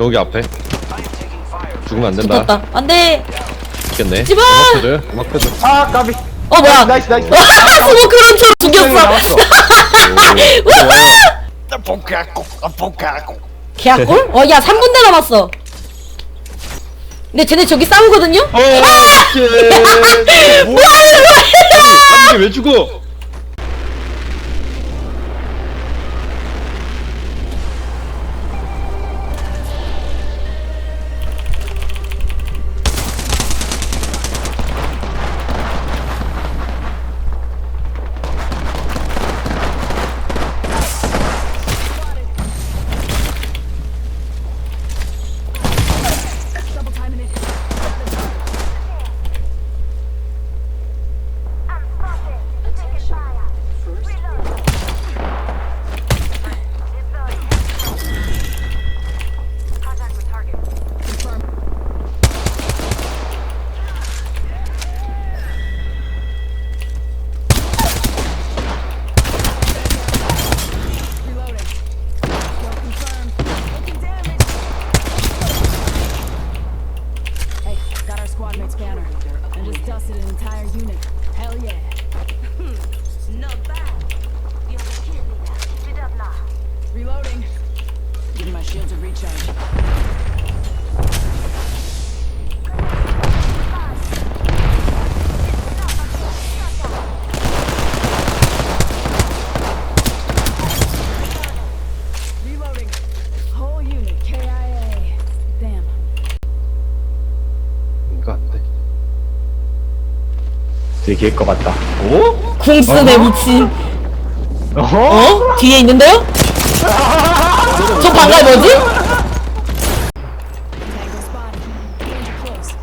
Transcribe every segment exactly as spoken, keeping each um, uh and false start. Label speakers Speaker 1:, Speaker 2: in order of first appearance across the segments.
Speaker 1: 저기 앞에 죽으면 안 된다.
Speaker 2: 붙었다. 안돼.
Speaker 1: 죽겠네.
Speaker 2: 집어!
Speaker 1: 음악 켜줘. 음악 켜줘.
Speaker 3: 아 까비.
Speaker 2: 어 뭐야?
Speaker 3: 나이스 나이스.
Speaker 2: 스모 그런 줄 죽였어.
Speaker 3: 나왔어.
Speaker 2: 개꿀? 어, 야, 삼 분대 남았어. 근데 쟤네 저기 싸우거든요?
Speaker 1: 어, 오케이. 뭐야? 아니, 왜 죽어?
Speaker 4: Reloading. Give my shields a recharge. Reloading. Whole unit K I A. Damn.
Speaker 1: 이거 안 돼.
Speaker 3: 되게 길 것 같다.
Speaker 1: 오?
Speaker 2: 궁스네, 미친.
Speaker 3: 어?
Speaker 2: 어? 뒤에 있는데요? 저 방갈 뭐지?
Speaker 4: Tango spotted. Danger close.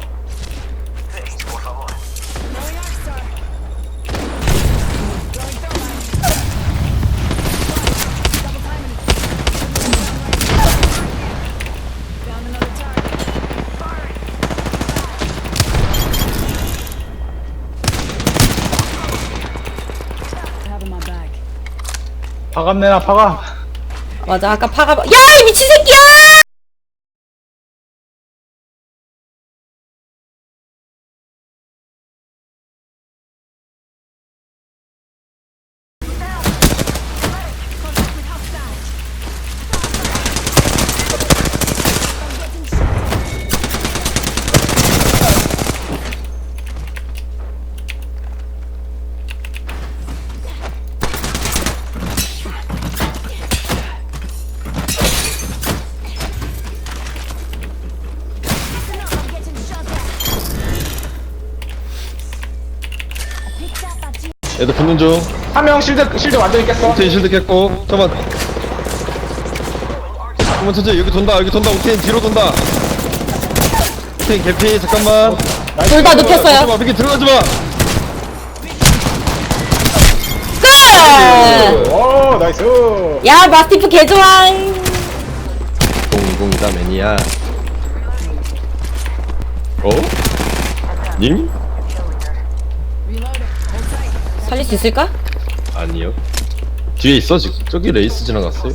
Speaker 4: Throwing arc star. Throwing thermite. Double timing it. Found another target. I have in my bag.
Speaker 3: 파갑 내놔 파갑.
Speaker 2: 맞아, 아까 파가. 야, 이 미친 새끼야!
Speaker 1: 애들 붙는 중.
Speaker 3: 한 명 실드 실드 완전히 깼어.
Speaker 1: 옥테인 실드 깼고. 잠깐만. 잠깐만 천천히 여기 돈다. 여기 돈다. 옥테인 뒤로 돈다. 옥테인 개피. 잠깐만.
Speaker 2: 둘 다 눕혔어요.
Speaker 1: 들어가지 마. 미기 들어가지 마.
Speaker 2: 끝!
Speaker 3: 오 나이스.
Speaker 2: 야, 마스티프 개좋아.
Speaker 1: 공공이다 매니아. 어? 님?
Speaker 4: Reloading. Hold tight.
Speaker 2: 살릴 수 있을까?
Speaker 1: 아니요. 뒤에 있어 지금. 저기 레이스 지나갔어요.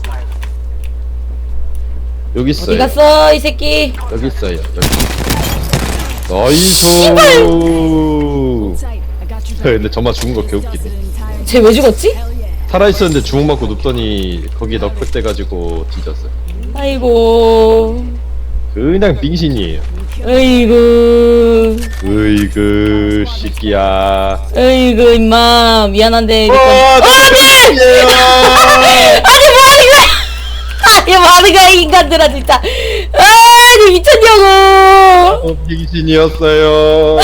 Speaker 1: 여기 있어요.
Speaker 2: 어디 갔어, 이 새끼?
Speaker 1: 여기 있어요. 여기. 나이스.
Speaker 4: Hold tight. I got your back.
Speaker 1: 근데 저만 죽은 거 개웃기네.
Speaker 4: Dusted an entire
Speaker 2: 쟤 왜 죽었지?
Speaker 4: hell yeah.
Speaker 1: 살아있었는데 주먹 맞고 눕더니 거기에 너클 떼가지고 뒤졌어요.
Speaker 2: 아이고.
Speaker 1: 그냥 빙신이에요.
Speaker 2: 어이구.
Speaker 1: 으이그 새끼야.
Speaker 2: 어이구, 임마. 미안한데.
Speaker 1: 와,
Speaker 2: 어, 안 돼! 아니, 뭐하는 거야! 아니, 뭐하는 거야, 이 인간들아, 진짜. 아니, 미쳤냐고.
Speaker 1: 어, 빙신이었어요.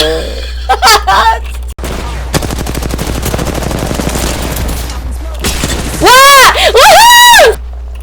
Speaker 2: 와! 우후!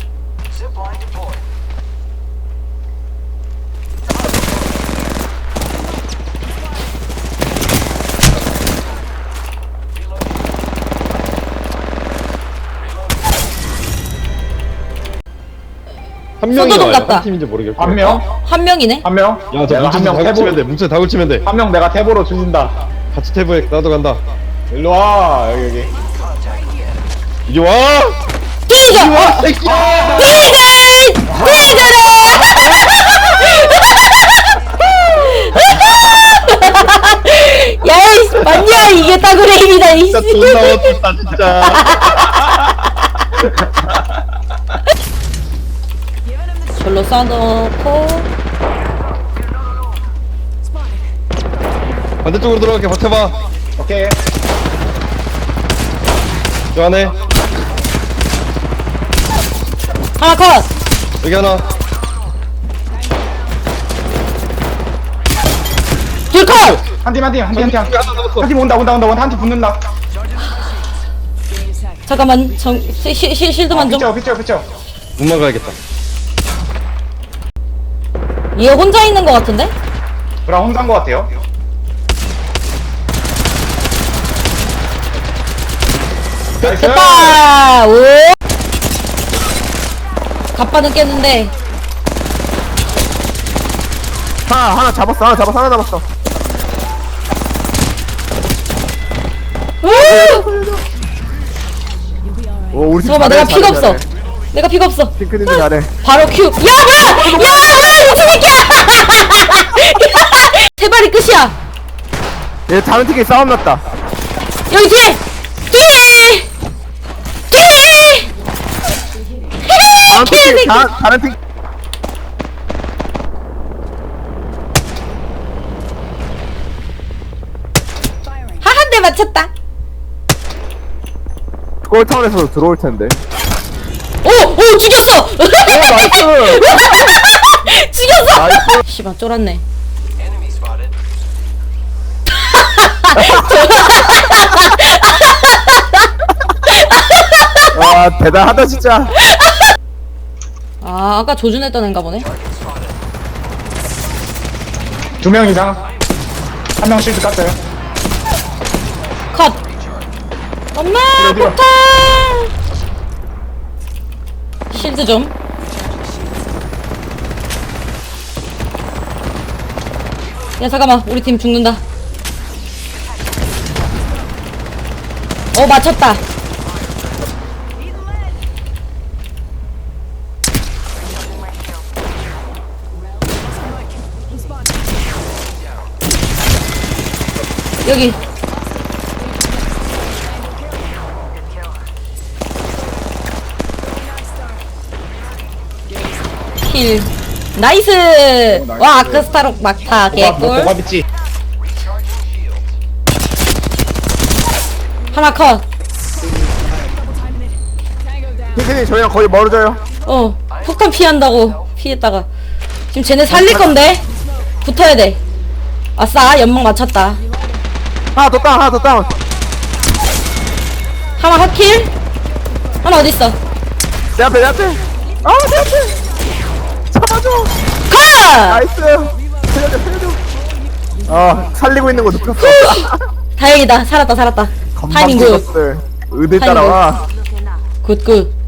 Speaker 1: 한 명이
Speaker 2: 소도둑
Speaker 1: 나와요.
Speaker 2: 같다.
Speaker 1: 한 팀인지 모르겠고.
Speaker 3: 한 명?
Speaker 2: 한 명이네?
Speaker 3: 한 명?
Speaker 1: 야, 저
Speaker 3: 내가
Speaker 1: 뭉쳐
Speaker 3: 한 명
Speaker 1: 다
Speaker 3: 태보.
Speaker 1: 걸치면 돼. 뭉쳐 다 걸치면 돼.
Speaker 3: 한 명 내가 태보로 죽인다.
Speaker 1: 같이 태보에 나도 간다.
Speaker 3: 일로 와 여기 여기.
Speaker 1: 이리 와.
Speaker 2: 뒤져!
Speaker 1: 새끼야.
Speaker 2: 뒤져! 뒤져라! 이게 따그레인이다 이
Speaker 1: 진짜
Speaker 2: 씨.
Speaker 1: 존나 어둡다 진짜.
Speaker 2: 절로 쏴놓고
Speaker 1: 반대쪽으로 들어갈게. 버텨봐.
Speaker 3: 오케이.
Speaker 1: 저 안에
Speaker 2: 하나 컷.
Speaker 1: 여기 하나.
Speaker 2: 둘 컷.
Speaker 3: 한 팀, 한 팀, 한 팀, 한 팀.
Speaker 1: 여기 하나 남았어.
Speaker 3: 한 팀 온다, 온다, 온다. 한 팀 붙는다.
Speaker 2: 잠깐만 정 시, 시, 시, 실드만 좀.
Speaker 3: 피쳐, 피쳐, 피쳐.
Speaker 1: 문만 가야겠다.
Speaker 2: 얘 혼자 있는 것 같은데?
Speaker 3: 그럼 혼자인 것 같아요. 나이스.
Speaker 2: 됐다. 오. 갑바는 깼는데.
Speaker 5: 하나 하나 잡았어 하나 잡았어 하나 잡았어.
Speaker 2: 오.
Speaker 5: 오 우리 팀
Speaker 2: 잠깐만
Speaker 5: 잘해,
Speaker 2: 내가 피가
Speaker 5: 잘해,
Speaker 2: 없어.
Speaker 5: 잘해.
Speaker 2: 내가 피가 없어.
Speaker 5: 핑크님이 잘해.
Speaker 2: 바로 큐. 야 뭐야? 야 뭐야 미친 새끼야. 세 발이 끝이야.
Speaker 5: 얘 다른 팀끼리 싸움 났다.
Speaker 2: 여기 뒤에. 뒤에. 뒤에.
Speaker 5: 다른 팀
Speaker 2: 개새끼.
Speaker 5: 다, 다른 팀
Speaker 2: 하 한 대 맞췄다.
Speaker 5: 골타운에서 들어올 텐데.
Speaker 2: 오! 오 죽였어!
Speaker 5: 오 나이스.
Speaker 2: 죽였어!
Speaker 5: 나이스.
Speaker 2: 씨발 쫄았네.
Speaker 5: 와 대단하다 진짜.
Speaker 2: 아 아까 조준했던 애인가 보네.
Speaker 3: 두 명 이상. 한 명 실드 깠어요.
Speaker 2: 컷! 엄마
Speaker 3: 어디가?
Speaker 2: 폭탄! 실드 좀. 야 잠깐만 우리 팀 죽는다. 어 맞췄다. 여기 힐 나이스. 와 아크스타록 막타
Speaker 3: 뭐가, 뭐,
Speaker 2: 개꿀.
Speaker 3: 뭐가 있지?
Speaker 2: 하나 컷.
Speaker 5: 핑크님 저희랑 거의 멀어져요.
Speaker 2: 어 폭탄 피한다고 피했다가 지금 쟤네 살릴 건데 붙어야 돼. 아싸 연막 맞췄다.
Speaker 5: 하나 더 다운 하나 더 다운.
Speaker 2: 하나 핫킬. 하나 어딨어?
Speaker 5: 내 앞에 내 앞에. 아내 앞에. 잡아줘.
Speaker 2: 컷!
Speaker 5: 나이스. 살려줘 살려줘. 아 살리고 있는 거 느꼈어.
Speaker 2: 다행이다 살았다 살았다. 타이밍 굿.
Speaker 5: 건방졌을. 의대 따라와.
Speaker 2: 굿굿.